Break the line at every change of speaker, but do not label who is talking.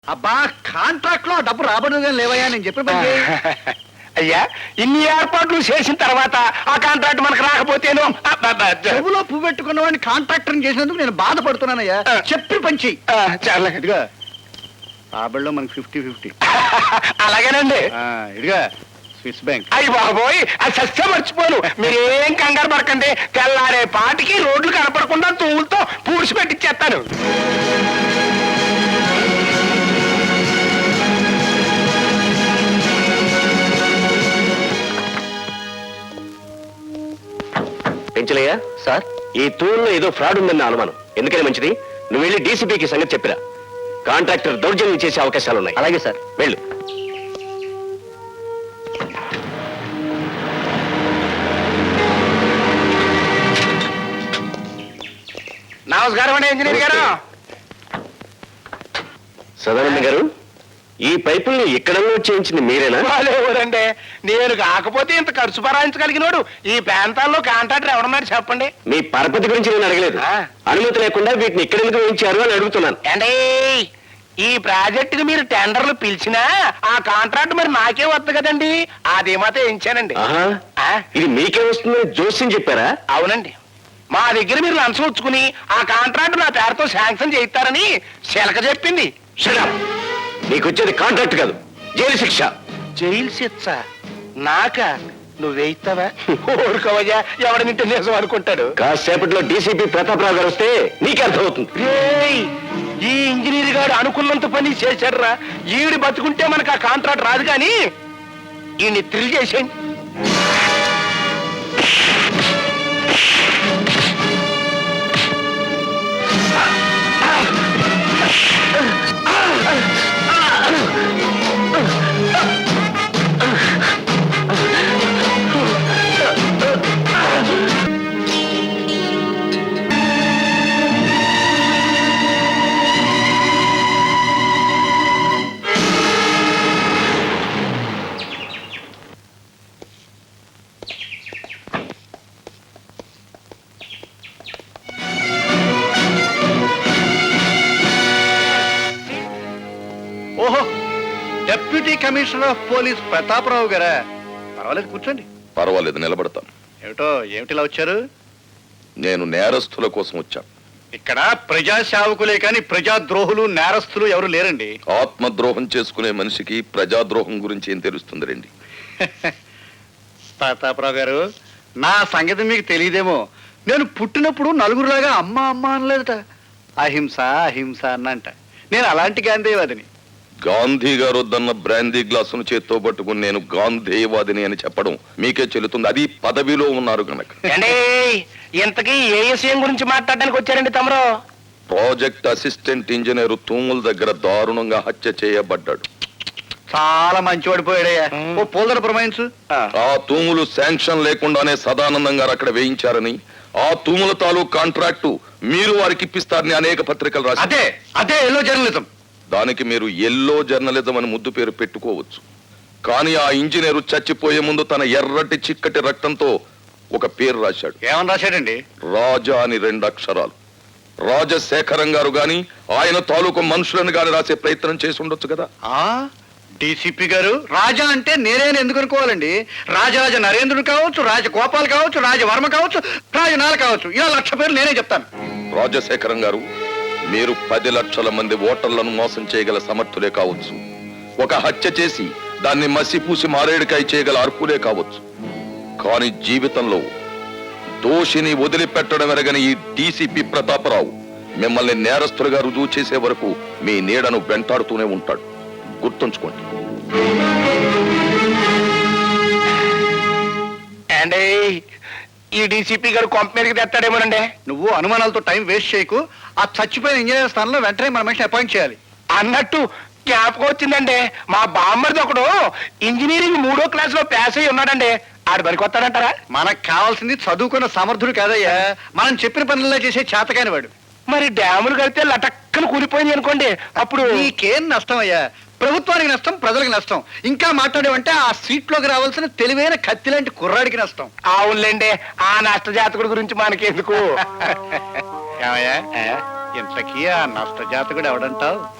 అబ్బా కాంట్రాక్ట్ లో డబ్బు రాబడుగా లేవయ్యా నేను చెప్పిన పని చేయి.
అయ్యా ఇన్ని ఏర్పాట్లు చేసిన తర్వాత ఆ కాంట్రాక్ట్ మనకు రాకపోతేను
చెవులో పువ్వు పెట్టుకున్న వాడిని కాంట్రాక్టర్ చేసినందుకు నేను బాధపడుతున్నానయ్యా. చెప్పి పని చెయ్యి.
చాలా
ఇదిగా రాబడిలో మనకి 50-50.
అలాగేనండి.
ఇదిగా స్విస్ బ్యాంక్.
అయ్యి బాబోయ్ అది సస్య మర్చిపోను. మీరేం కంగారు పడకండి. తెల్లారే పాటికి రోడ్లు కనపడకుండా తూములతో పూడ్చి పెట్టిచ్చేస్తాను. పెంచలయ్యా సార్, ఈ తూరులో ఏదో ఫ్రాడ్ ఉందన్న అనుమానం. ఎందుకని మంచిది, నువ్వు వెళ్ళి డీసీపీకి సంగతి చెప్పిరా. కాంట్రాక్టర్ దౌర్జన్యం చేసే అవకాశాలున్నాయి. అలాగే సార్, వెళ్ళు. నమస్కారం అండి ఇంజనీర్ గారు. సదానంద గారు, ఈ పైపుల్ని ఎక్కడన్నా చేయించింది మీరేనా? వాళ్ళెవరండి, నేను కాకపోతే ఇంత ఖర్చు భరాయించగలిగినోడు ఈ ప్రాంతాల్లో కాంట్రాక్టర్ ఎవడన్నారు చెప్పండి. మీ పరపతి గురించి నేను అడగలేదు. అనుమతి లేకుండా వీటిని ఎక్కడెందుకు వేయించారు అని అడుగుతున్నాను. అంటే ఈ ప్రాజెక్టుకి మీరు టెండర్లు పిలిచినా ఆ కాంట్రాక్ట్ మరి నాకే వద్దు కదండి. అది మాత్రం వేయించానండి. ఇది మీకే వస్తుందని జోస్యం చెప్పారా? అవునండి. మా దగ్గర మీరు లంచం వచ్చుకుని ఆ కాంట్రాక్ట్ నా పేరుతో శాంక్షన్ చేయిస్తారని శిలక చెప్పింది. నీకు వచ్చేది కాంట్రాక్ట్ కాదు, జైలు శిక్ష. జైలు శిక్ష నాక? నువ్వేయిస్తావా? ఊరుకోవయ్యా, ఎవడనింటే నిజం అనుకుంటాడు. కాసేపట్లో డీసీపీ ప్రతాపరావు గారు వస్తే నీకే అర్థమవుతుంది. ఈ ఇంజనీర్ గారు అనుకున్నంత పని చేశాడురా. ఈవిడి బతుకుంటే మనకు ఆ కాంట్రాక్ట్ రాదు కానీ ఈయన్ని థ్రిల్ చేసేయండి.
ఓహో, deputy commissioner of police Prataprao గారా? పర్వాలేదు, కూర్చోండి.
పర్వాలేదు, నిలబడతాను.
ఏమిటిలా వచ్చారు?
నేను నేరస్తుల కోసం వచ్చాను.
ఇక్కడ ప్రజా సేవకులే కానీ ప్రజాద్రోహులు నేరస్తులు ఎవరు లేరండి.
ఆత్మద్రోహం చేసుకునే మనిషికి ప్రజాద్రోహం గురించి ఏం తెలుస్తుంది రండి.
ప్రతాపరావు గారు, నా సంగతి మీకు తెలియదేమో. నేను పుట్టినప్పుడు నలుగురులాగా అమ్మ అమ్మ అనలేదట. అహింస అహింస అన్నంట. నేను అలాంటి గాంధీవాదిని.
గాంధీ గారు వద్దన్న బ్రాందీ గ్లాసును చేత్తో పట్టుకుని నేను గాంధీవాదిని అని చెప్పడం మీకే చెల్లుతుంది. అది పదవిలో ఉన్నారు కనుక.
ఇంతకీ ఏ విషయం గురించి మాట్లాడడానికి వచ్చారండి తమరు?
ప్రాజెక్ట్ అసిస్టెంట్ ఇంజనీర్ తూముల దగ్గర దారుణంగా హత్య చేయబడ్డాడు.
చాలా మంచివాడు పోయాడయ్యా. ఓ పోల్దర ప్రమాయించు.
ఆ తూములు శాంక్షన్ లేకుండానే సదానందం గారు అక్కడ వేయించారని, ఆ తూముల తాలూకు కాంట్రాక్టు మీరు వారికి ఇప్పిస్తారని అనేక పత్రికలు రాశారు.
అదే అదే ఎల్లో జర్నలిజం.
దానికి మీరు ఎల్లో జర్నలిజం అని ముద్దు పేరు పెట్టుకోవచ్చు. కానీ ఆ ఇంజనీరు చచ్చిపోయే ముందు తన ఎర్రటి చిక్కటి రక్తంతో ఒక పేరు రాశాడు.
ఏమని రాశాడండి?
రాజా అని 2 అక్షరాలు. రాజశేఖరం గారు గాని ఆయన తాలూకు మనుషులను గాని రాసే ప్రయత్నం చేసి ఉండొచ్చు కదా.
డీసీపీ గారు, రాజా అంటే నేనేని ఎందుకు అనుకోవాలండి? రాజరాజ నరేంద్రుడు కావచ్చు, రాజగోపాల్ కావచ్చు, రాజవర్మ కావచ్చు, రాజనాల కావచ్చు, ఇలా 1,00,000 పేర్లు నేనే చెప్తాను.
రాజశేఖరం గారు, మీరు 10 లక్షల మంది ఓటర్లను మోసం చేయగల సమర్థులే కావచ్చు. ఒక హత్య చేసి దాన్ని మసిపూసి మారేడుకాయ చేయగల అర్హులే కావచ్చు. కానీ జీవితంలో దోషిని వదిలిపెట్టడం ఎరగని ఈ డీసీపీ ప్రతాపరావు మిమ్మల్ని నేరస్తులుగా రుజువు చేసే వరకు మీ నీడను వెంటాడుతూనే ఉంటాడు. గుర్తుంచుకోండి.
అండి, ఈ డీసీపీ గారు కొంప మీదకి తెస్తాడేమోనండి.
నువ్వు అనుమానాలతో టైం వేస్ట్ చేయకు. ఆ చచ్చిపోయిన ఇంజనీర్ స్థానంలో వెంటనే మన మనిషిని అపాయింట్ చేయాలి.
అన్నట్టు జ్ఞాపకం వచ్చిందండి, మా బామ్మరిది ఒకడు ఇంజనీరింగ్ 3వ క్లాసులో పాస్ అయ్యి ఉన్నాడండి. ఆడు పనికి వస్తాడంటారా?
మనకు కావాల్సింది చదువుకున్న సమర్థుడు కాదయ్యా, మనం చెప్పిన పనుల్లో చేసే చేతకాని వాడు.
మరి డ్యాములు కడితే లటక్కన కూలిపోయింది అనుకోండి, అప్పుడు
నీకేం నష్టం అయ్యా? ప్రభుత్వానికి నష్టం, ప్రజలకు నష్టం. ఇంకా మాట్లాడేవంటే ఆ సీట్లోకి రావాల్సిన తెలివైన కత్తి లాంటి కుర్రాడికి నష్టం.
అవునులేండి, ఆ నష్ట జాతకుడి గురించి మనకెందుకు.
ఇంతకీ ఆ నష్ట జాతకుడు ఎవడంటావు?